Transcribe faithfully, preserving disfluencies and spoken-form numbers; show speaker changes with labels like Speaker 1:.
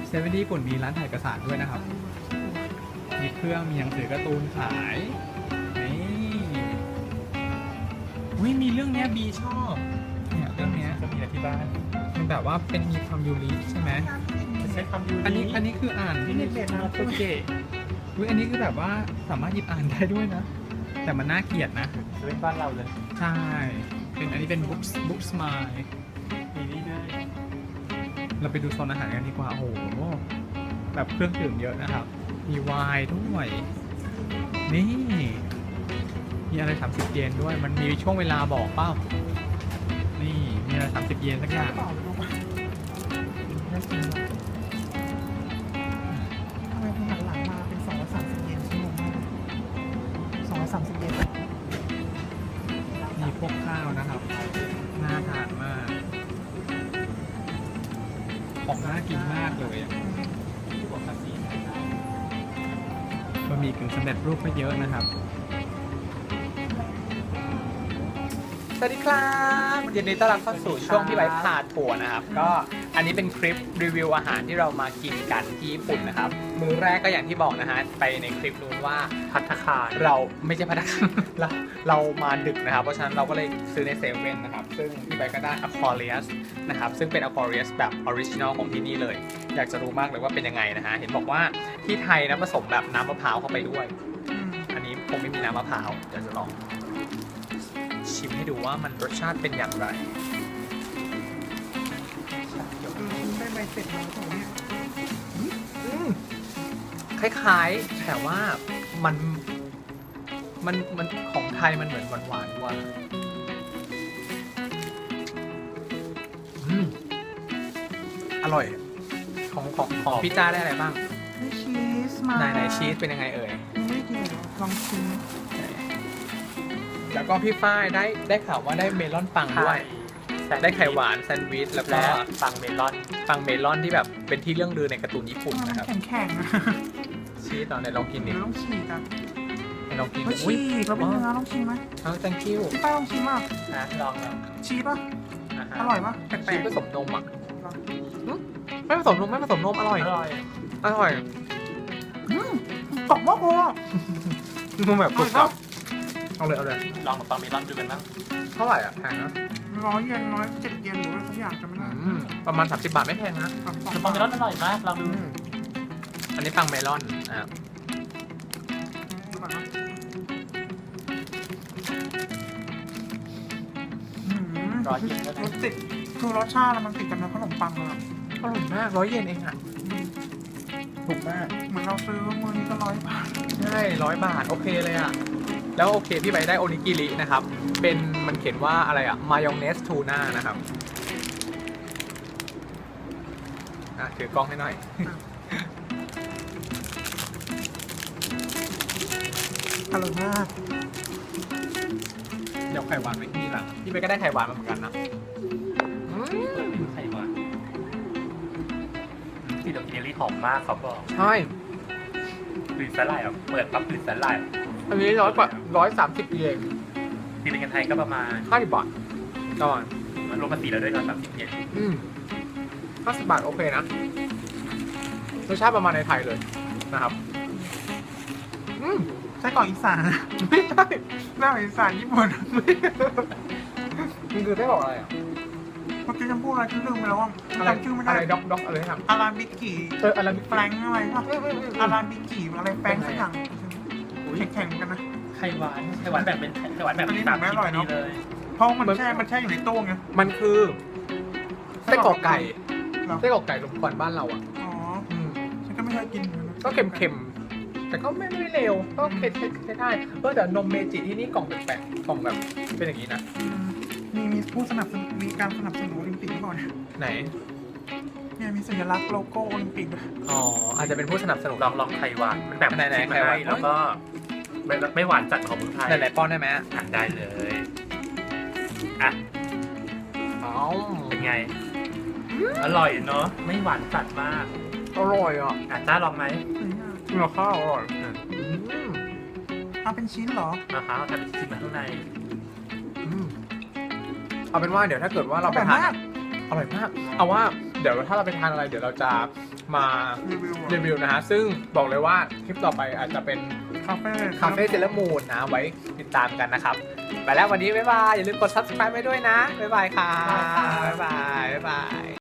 Speaker 1: เซเว่นที่ญี่ปุ่นมีร้านถ่ายเอกสารด้วยนะครับมีเครื่องมีหนังสือการ์ตูนขายนี่อุ้ยมีเรื่องเนี้ยบีชอบเนี่ยเรื่องเนี้ย
Speaker 2: ก็มีนะที่บ้าน
Speaker 1: มันแบบว่าเป็นมีความยูริใช่ไหม
Speaker 2: ใช้คำยู
Speaker 1: อันนี้อันนี้คืออ่าน
Speaker 2: นี่เด็กๆนะโปรเจกต์
Speaker 1: อุ้ยอันนี้คือแบบว่าสามารถหยิบอ่านได้ด้วยนะ แต่มันน่าเกลียดนะ
Speaker 2: เป็นบ้านเราเลย
Speaker 1: ใช่ เป็นอันนี้เป็นบุ๊กบุ๊กสมาย
Speaker 2: มีนี่ด้วย
Speaker 1: เราไปดูโซนอาหารกันดีกว่า โอ้โห แบบเครื่องดื่มเยอะนะครับ มีไวน์ด้วย นี่ มีอะไรสามสิบเยนด้วย มันมีช่วงเวลาบอกเปล่า นี่ มีอะไรสามสิบเยนสักอย่าง
Speaker 2: เปล่าเลยลูกน่ากินทำไมคุณหันหลังมาเป็นสองร้อยสามสิบเยนชั่วโมงมากสองร้อยสามสิบเยน
Speaker 1: มีพวกข้าวนะครับ น่าทานมาก ของน่ากินมากเลยอะบะหมี่กึ่งสำเร็จรูปก็เยอะนะครับ สวัสดีครับยินดีต้อนรับเข้าสู่ช่วงพี่ไว้พาทัวร์นะครับ ก็อันนี้เป็นคลิปรีวิวอาหารที่เรามากินกันที่ญี่ปุ่นนะครับ มื้อแรกก็อย่างที่บอกนะฮะ ไปในคลิปนู้นว่า
Speaker 2: ภัตตาคาร
Speaker 1: เราไม่ใช่พัฒนา เราเรามาดึกนะครับ เพราะฉะนั้นเราก็เลยซื้อในเซเว่นนะครับ ซึ่งพี่ใบก็ได้ Aquarius นะครับ ซึ่งเป็น Aquarius แบบออริจินอลของที่นี่เลย อยากจะรู้มากเลยว่าเป็นยังไงนะฮะ เห็นบอกว่าที่ไทยนะผสมแบบน้ำมะพร้าวเข้าไปด้วย อันนี้คงไม่มีน้ำมะพร้าวเดี๋ยวจะลองชิมให้ดูว่ามันรสชาติเป็นอย่างไร
Speaker 2: ได้ใบเสร็จมาของเนี่ย
Speaker 1: อืมคล้ายๆ แต่ว่ามันมันมันของไทยมันเหมือนหวานหวานกว่าอืมอร่อย ของของของพี่จ้าได้อะไรบ้าง
Speaker 2: ได้ชีสมา
Speaker 1: ไหนไหนชีสเป็นยังไงเอ่ย
Speaker 2: ไม่ได้กินเหรอลองชิม
Speaker 1: แล้วก็พี่ฝ้ายได้ได้ข่าวว่าได้เมลอนปังด้วย ได้ไข่หวานแซนด์วิชแล้วก็
Speaker 2: และปังเมลอน
Speaker 1: ปังเมลอนที่แบบเป็นที่เรื่องลือในการ์ตูนญี่ปุ่น
Speaker 2: มัน
Speaker 1: นะครับ
Speaker 2: แข็งๆนะ
Speaker 1: ชีสตอนไหนลองกินดิ
Speaker 2: เราต้องฉีกอ่ะ
Speaker 1: ไหนลองกิน
Speaker 2: เรา
Speaker 1: อุ้
Speaker 2: ฉี
Speaker 1: ย
Speaker 2: กเราเป็นเนื้อต้องชิมไหม
Speaker 1: เอา thank you
Speaker 2: พี่ป้าลองชิมอ่ะ
Speaker 1: นะลองแล้ว
Speaker 2: ชีสป่ะอร่อยป่ะแปล
Speaker 1: ชีส
Speaker 2: ก
Speaker 1: ผสมนมอ่ะไม่ผสมนมไม่ผสมนมอร่อย
Speaker 2: ๆอร่อย
Speaker 1: อร่อย
Speaker 2: อืมกรอบมากเลยอ่ะ
Speaker 1: มันแบบกรุบกรอบเอาเลยเอาเลย
Speaker 2: ลองกับปังเมลอนดูกันบ้าง
Speaker 1: เท่าไหร่อ่ะแพงนะ
Speaker 2: ร้อยเยนร้อยเจ็ดเยนหรือว่าสักอย่างจะไม่ได้
Speaker 1: อืมประมาณสามสิบบาทไม่แพงนะ
Speaker 2: คือปังเมลอนอร่อยมากลองดู
Speaker 1: อืมอันนี้ปังเมลอนอ่ะ
Speaker 2: ดูก่อนนะร้อยเยนรสติดคือรสชาติมันติดกับเนื้อขนมปังเลย
Speaker 1: อร่อยมากร้อยเยนเองอ่ะถูกมาก
Speaker 2: เหมือนเราซื้อมือนี้ก็ร้อยบาท
Speaker 1: ใช่ร้อยบาทโอเคเลยอ่ะแล้วโอเคพี่ใบได้โอนิกิรินะครับเป็นมันเขียนว่าอะไรอ่ะมายองเนสทูน่านะครับอ่ะถือกล้องให้หน่อย
Speaker 2: อร่อยมาก
Speaker 1: เดี๋ยวไข่หวานไว้ที่หลังพี่ใบก็ได้ไข่หวานมาเหมือนกันนะอืม
Speaker 2: ไข่หวานที่ดอกกินเนลลี่หอมมากเขาบอก
Speaker 1: ใช่
Speaker 2: กลิ่นสาหร่ายอ่ะเปิดปั๊บกลิ่นสาหร่าย
Speaker 1: อันนี้ร้อยกว่าร้อยสามสิบเยน
Speaker 2: ที่เป็นเงินไทยก็ประมาณ
Speaker 1: ห้าสิบบาทก่อน
Speaker 2: มันรวมภาษีแล้วด้วยนะสามสิบเยน
Speaker 1: อืมห้าสิบบาทโอเคนะรสชาติประมาณในไทยเลยนะครับอืม
Speaker 2: ไส้กรอกอีสาน
Speaker 1: ไม่ใช่
Speaker 2: หน้าอีสานญี่ปุ่น
Speaker 1: มันคือได้บอกอะไรอ่ะ
Speaker 2: เมื่อกี้จำพูดอะไรฉันลืมไปแล้วว่า
Speaker 1: อะไร
Speaker 2: จำชื่อไม่ได้
Speaker 1: อะไรด็อกด็อกอะไรครับ
Speaker 2: อาราบิกิ
Speaker 1: เอออะไร
Speaker 2: แฟรงค์อะไรป่ะอาราบิกิอะไรแฟรงค์สักอย่างแข็งๆเหมือนกันนะ
Speaker 3: ไข่หวานไข่หวานแบบเป็นไข่หวานแบบ
Speaker 2: อันนี้
Speaker 3: สาม
Speaker 2: ไม่อร่อยเนอะ
Speaker 3: เลย
Speaker 2: เพราะมันแช่มันแช่อยู่ในตู้ไง
Speaker 1: มันคือไส้กรอกไก่
Speaker 2: เหรอ
Speaker 1: ไส้กรอกไก่ลมควันบ้านเราอ่ะ
Speaker 2: อ๋อ
Speaker 1: อืม
Speaker 2: ฉันก็ไม่เคยกินหมือนน
Speaker 1: ก็เค็มๆแต่ก็ไม่ไม่เลวก็เผ็ดใช้ได้เออแต่นมเมจิที่นี่กล่องแปลกๆกล่องแบบเป็นอย่างนี้นะ
Speaker 2: อืมมีมีผู้สนับสนุนมีการสนับสนุนโอลิมปิกหรือเปล่าเนี่ย
Speaker 1: ไหน
Speaker 2: เนี่ยมีสัญลักษณ์โลโก้โอลิมปิกด้วย
Speaker 1: อ๋ออาจจะเป็นผู้สนับสนุน
Speaker 3: ลองลองไข่หวานมันแบบ
Speaker 1: ไหนๆ
Speaker 3: ชิมมา
Speaker 1: ไข่หวาน
Speaker 3: ให้แล้วก็ไม่ไม่หวานจัดของเมืองไทย
Speaker 1: ไหนๆป้อนได้ไหม
Speaker 3: ทานได้เลยอ่ะ
Speaker 1: อ๋อ
Speaker 3: เป็นไง อร่อยเนาะไม่หวานจัดมาก
Speaker 1: อร่อยอ่ะ
Speaker 3: อ่ะจ้าลองไหม
Speaker 1: เนื้อข้าวอร่อย
Speaker 3: อืม
Speaker 1: อืม
Speaker 2: เอาเป็นชิ้นเหรอ
Speaker 3: นะคะทำชิมมาข้างใน
Speaker 1: อืมเอาเป็นว่าเดี๋ยวถ้าเกิดว่าเราไป
Speaker 2: อร่อย
Speaker 1: ทาน
Speaker 2: มาก
Speaker 1: อร่อยมาก เอาว่าเดี๋ยวถ้าเราไปทานอะไรเดี๋ยวเราจะมา
Speaker 2: รีวิว
Speaker 1: รีวิวนะฮะซึ่งบอกเลยว่าคลิปต่อไปอาจจะเป็น
Speaker 2: คาเฟ่
Speaker 1: คาเฟ่เซเลมูนนะไว้ติดตามกันนะครับ ไปแล้ววันนี้บ๊ายบาย อย่าลืมกด ซับสไครบ์ ไว้ด้วยนะ บ๊ายบายค่ะบ๊ายบาย บ๊ายบาย